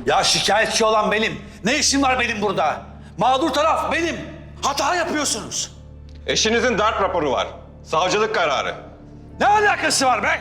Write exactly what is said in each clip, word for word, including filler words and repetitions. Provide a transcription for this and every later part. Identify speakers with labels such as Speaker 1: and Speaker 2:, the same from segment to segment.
Speaker 1: Ya şikayetçi olan benim. Ne işim var benim burada? Mağdur taraf benim. Hata yapıyorsunuz.
Speaker 2: Eşinizin darp raporu var. Savcılık kararı.
Speaker 1: Ne alakası var be?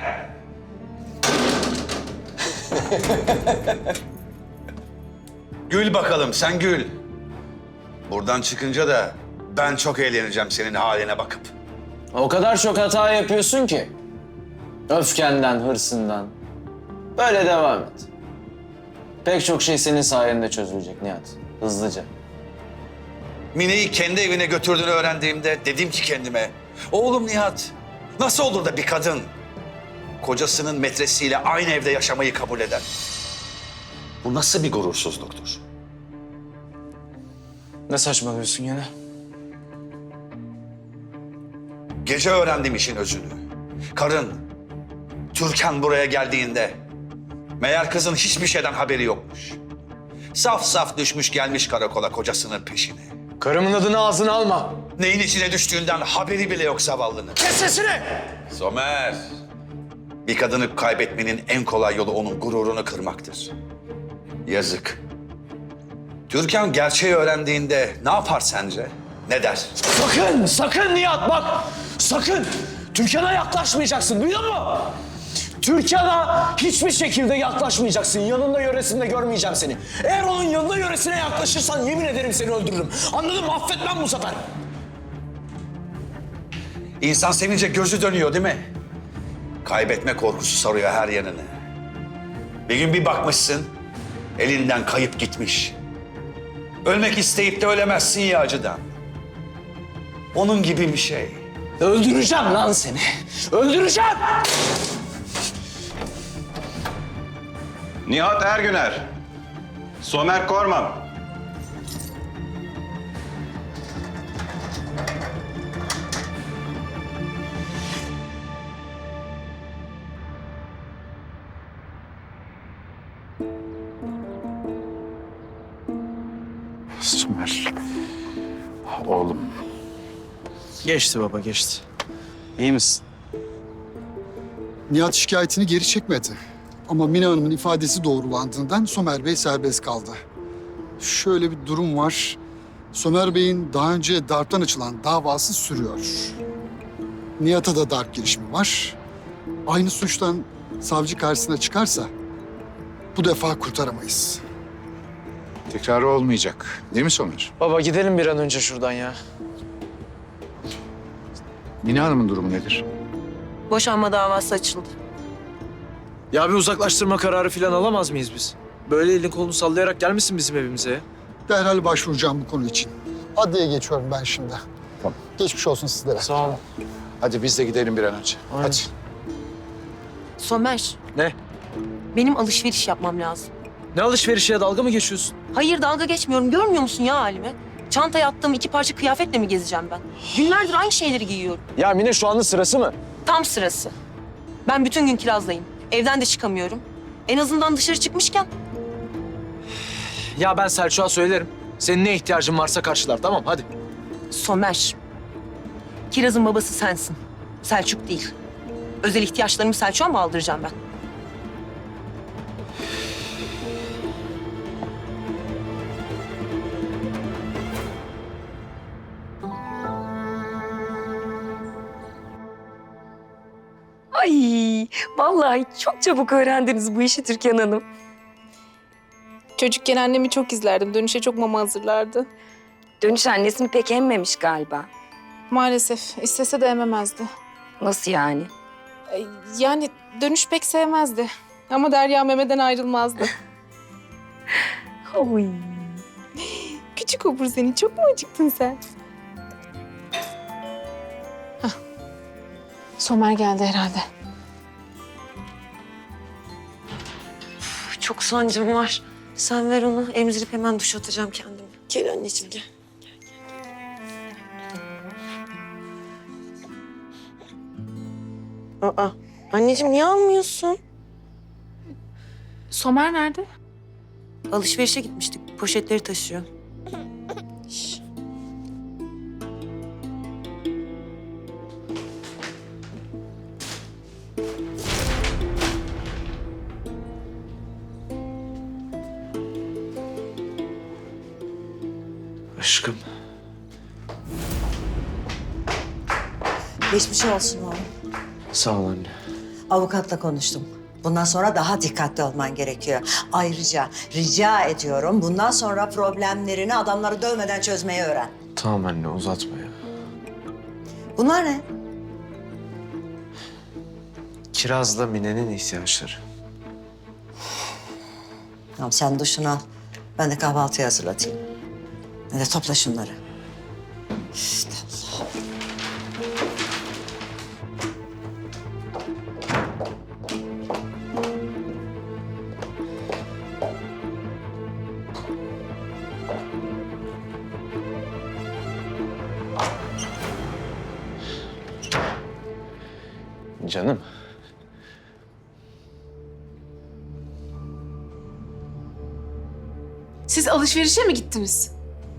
Speaker 1: Gül bakalım, sen gül. Buradan çıkınca da ben çok eğleneceğim senin haline bakıp.
Speaker 3: O kadar çok hata yapıyorsun ki. Öfkenden, hırsından. Böyle devam et. Pek çok şey senin sayende çözülecek Nihat. Hızlıca.
Speaker 1: Mine'yi kendi evine götürdüğünü öğrendiğimde dedim ki kendime... Oğlum Nihat, nasıl olur da bir kadın kocasının metresiyle aynı evde yaşamayı kabul eder? Bu nasıl bir gurursuzluktur?
Speaker 3: Ne saçmalıyorsun yine?
Speaker 1: Gece öğrendim işin özünü. Karın, Türkan buraya geldiğinde... meğer kızın hiçbir şeyden haberi yokmuş. Saf saf düşmüş gelmiş karakola kocasının peşine.
Speaker 3: Karımın adını ağzına alma.
Speaker 1: Neyin içine düştüğünden haberi bile yok zavallının.
Speaker 3: Kes sesini!
Speaker 1: Somer, bir kadını kaybetmenin en kolay yolu onun gururunu kırmaktır. Yazık. Türkan gerçeği öğrendiğinde ne yapar sence? Ne der?
Speaker 3: Sakın, sakın Nihat bak! Sakın! Türkan'a yaklaşmayacaksın, duydun mu? Türkan'a hiçbir şekilde yaklaşmayacaksın. Yanında yöresinde görmeyeceğim seni. Eğer onun yanında yöresine yaklaşırsan yemin ederim seni öldürürüm. Anladın mı? Affetmem bu sefer.
Speaker 1: İnsan sevince gözü dönüyor değil mi? Kaybetme korkusu sarıyor her yanını. Bir gün bir bakmışsın, elinden kayıp gitmiş. Ölmek isteyip de ölemezsin ya acıdan. Onun gibi bir şey.
Speaker 3: Öldüreceğim lan seni. Öldüreceğim!
Speaker 2: Nihat Ergüner. Somer Korman.
Speaker 4: Somer. Oğlum.
Speaker 3: Geçti baba, geçti. İyi misin?
Speaker 5: Nihat şikayetini geri çekmedi. Ama Mine Hanım'ın ifadesi doğrulandığından Somer Bey serbest kaldı. Şöyle bir durum var. Somer Bey'in daha önce darptan açılan davası sürüyor. Nihat'a da darp girişimi var. Aynı suçtan savcı karşısına çıkarsa bu defa kurtaramayız.
Speaker 4: Tekrarı olmayacak. Değil mi Somer?
Speaker 3: Baba gidelim bir an önce şuradan ya.
Speaker 4: Mine Hanım'ın durumu nedir?
Speaker 6: Boşanma davası açıldı.
Speaker 3: Ya bir uzaklaştırma kararı falan alamaz mıyız biz? Böyle elini kolunu sallayarak gelmesin bizim evimize ya.
Speaker 5: Derhal başvuracağım bu konu için. Adliyeye geçiyorum ben şimdi.
Speaker 4: Tamam.
Speaker 5: Geçmiş olsun sizlere.
Speaker 3: Sağ ol.
Speaker 4: Hadi biz de gidelim bir an önce.
Speaker 3: Aynen.
Speaker 4: Hadi.
Speaker 6: Somer,
Speaker 3: Ne?
Speaker 6: benim alışveriş yapmam lazım.
Speaker 3: Ne alışverişe dalga mı geçiyorsun?
Speaker 6: Hayır, dalga geçmiyorum. Görmüyor musun ya halimi? Çantaya attığım iki parça kıyafetle mi gezeceğim ben? Günlerdir aynı şeyleri giyiyorum.
Speaker 3: Ya Mine şu anda sırası mı?
Speaker 6: Tam sırası. Ben bütün gün kirazdayım. Evden de çıkamıyorum. En azından dışarı çıkmışken.
Speaker 3: Ya ben Selçuk'a söylerim. Senin ne ihtiyacın varsa karşılar, tamam hadi.
Speaker 6: Somer, Kiraz'ın babası sensin. Selçuk değil. Özel ihtiyaçlarımı Selçuk'a mı aldıracağım ben?
Speaker 7: Ay, vallahi çok çabuk öğrendiniz bu işi Türkan Hanım.
Speaker 8: Çocukken annemi çok izlerdim. Dönüşe çok mama hazırlardı.
Speaker 7: Dönüş annesini pek emmemiş galiba.
Speaker 8: Maalesef istese de ememezdi.
Speaker 7: Nasıl yani?
Speaker 8: E, Yani dönüş pek sevmezdi. Ama Derya memeden ayrılmazdı.
Speaker 7: Oy.
Speaker 8: Küçük obur seni. Çok mu acıktın sen? Hah. Somer geldi herhalde.
Speaker 6: Çok sancım var. Sen ver onu. Emzirip hemen duş atacağım kendimi. Gel anneciğim gel. Aa, anneciğim niye almıyorsun?
Speaker 8: Somer nerede?
Speaker 6: Alışverişe gitmiştik. Poşetleri taşıyor.
Speaker 3: Aşkım.
Speaker 9: Geçmiş olsun oğlum.
Speaker 3: Sağ ol anne.
Speaker 9: Avukatla konuştum. Bundan sonra daha dikkatli olman gerekiyor. Ayrıca rica ediyorum bundan sonra problemlerini adamları dövmeden çözmeyi öğren.
Speaker 3: Tamam anne uzatma ya.
Speaker 9: Bunlar ne?
Speaker 3: Kiraz'la Mine'nin ihtiyaçları.
Speaker 9: Tamam sen duşunu al. Ben de kahvaltıyı hazırlatayım. Hadi topla şunları. İşte Allah.
Speaker 3: Canım.
Speaker 8: Siz alışverişe mi gittiniz?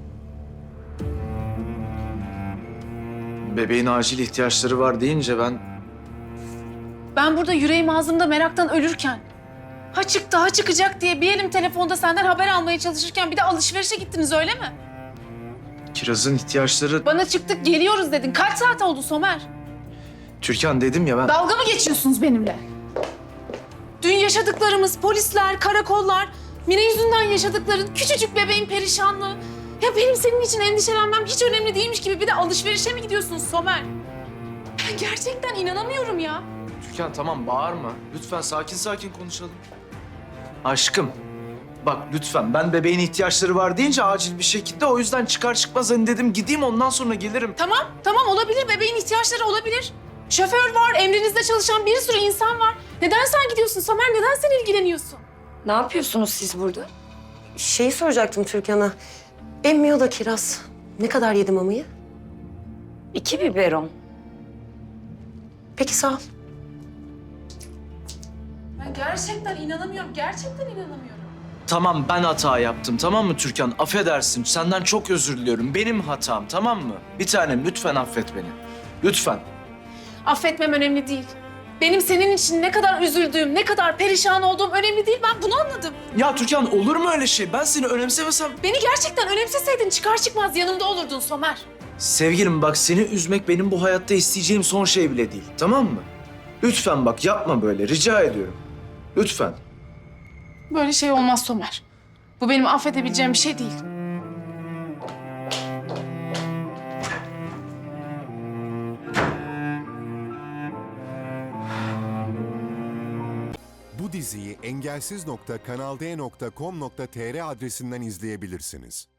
Speaker 3: Bebeğin acil ihtiyaçları var deyince ben...
Speaker 8: Ben burada yüreğim ağzımda meraktan ölürken, ha çıktı ha çıkacak diye bir elim telefonda senden haber almaya çalışırken bir de alışverişe gittiniz öyle mi?
Speaker 3: Kiraz'ın ihtiyaçları...
Speaker 8: Bana çıktık geliyoruz dedin. Kaç saat oldu Somer?
Speaker 3: Türkan dedim ya ben...
Speaker 8: Dalga mı geçiyorsunuz benimle? Dün yaşadıklarımız, polisler, karakollar, Mine yüzünden yaşadıkların, küçücük bebeğin perişanlığı. Ya benim senin için endişelenmem hiç önemli değilmiş gibi bir de alışverişe mi gidiyorsunuz Somer? Ben gerçekten inanamıyorum ya.
Speaker 3: Türkan tamam bağırma. Lütfen sakin sakin konuşalım. Aşkım. Bak lütfen ben bebeğin ihtiyaçları var deyince acil bir şekilde o yüzden çıkar çıkmaz hani dedim gideyim ondan sonra gelirim.
Speaker 8: Tamam, tamam olabilir. Bebeğin ihtiyaçları olabilir. Şoför var, emrinizde çalışan bir sürü insan var. Neden sen gidiyorsun Somer? Neden sen ilgileniyorsun?
Speaker 7: Ne yapıyorsunuz siz burada?
Speaker 6: Şeyi soracaktım Türkan'a. Emmiyor da Kiraz. Ne kadar yedi mamayı?
Speaker 7: İki biberon.
Speaker 6: Peki sağ ol.
Speaker 8: Ben gerçekten inanamıyorum. Gerçekten inanamıyorum.
Speaker 3: Tamam ben hata yaptım tamam mı Türkan? Affedersin senden çok özür diliyorum. Benim hatam tamam mı? Bir tanem lütfen affet beni. Lütfen.
Speaker 8: Affetmem önemli değil. Benim senin için ne kadar üzüldüğüm, ne kadar perişan olduğum önemli değil. Ben bunu anladım.
Speaker 3: Ya Türkan olur mu öyle şey? Ben seni önemsemesem...
Speaker 8: Beni gerçekten önemseseydin çıkar çıkmaz yanımda olurdun Somer.
Speaker 3: Sevgilim bak seni üzmek benim bu hayatta isteyeceğim son şey bile değil. Tamam mı? Lütfen bak yapma böyle rica ediyorum. Lütfen.
Speaker 8: Böyle şey olmaz Somer. Bu benim affedebileceğim bir şey değil.
Speaker 10: Bu diziyi engelsiz nokta kanal d nokta com nokta tr adresinden izleyebilirsiniz.